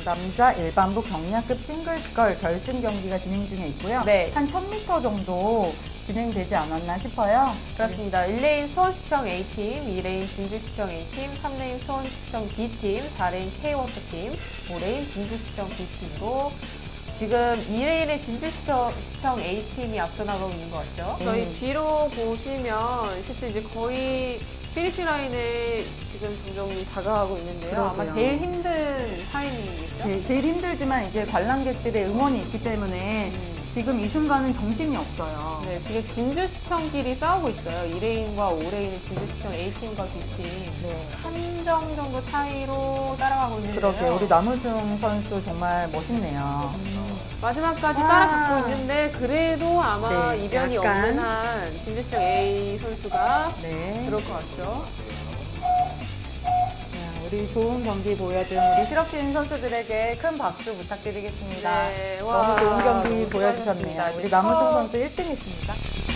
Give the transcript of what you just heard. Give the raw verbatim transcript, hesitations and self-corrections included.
남자 일반부 경량급 싱글스컬 결승 경기가 진행 중에 있고요. 네. 한 천 미터 정도 진행되지 않았나 싶어요. 그렇습니다. 일 레인 수원시청 A팀, 이 레인 진주시청 A팀, 삼 레인 수원시청 B팀, 사 레인 K워터팀, 오 레인 진주시청 B팀으로 지금 이 레인의 진주시청 시청 A팀이 앞서 나가고 있는 것 같죠? 음. 저희 B로 보시면 실제 이제 거의 피니시 라인에 지금 점점 다가가고 있는데요. 아마 그러게요. 제일 힘든 타이밍이겠죠? 네, 제일 힘들지만 이제 관람객들의 응원이 있기 때문에 음. 지금 이 순간은 정신이 없어요. 네, 지금 진주시청끼리 싸우고 있어요. 이 레인과 오 레인의 진주시청 A팀과 B팀. 네. 한 점 정도 차이로 따라가고 있는데요. 그러게 우리 남우승 선수 정말 멋있네요. 음. 마지막까지 아. 따라잡고 있는데 그래도 아마 네, 이변이 약간. 없는 한 진주시청 A 선수가 네. 들어올 것 같죠. 네, 우리 좋은 경기 보여준 우리 실업팀 선수들에게 큰 박수 부탁드리겠습니다. 네, 너무 와, 좋은 경기 너무 보여주셨네요. 수고하셨습니다. 우리 이제 남우승 처음- 선수 일 등했습니다.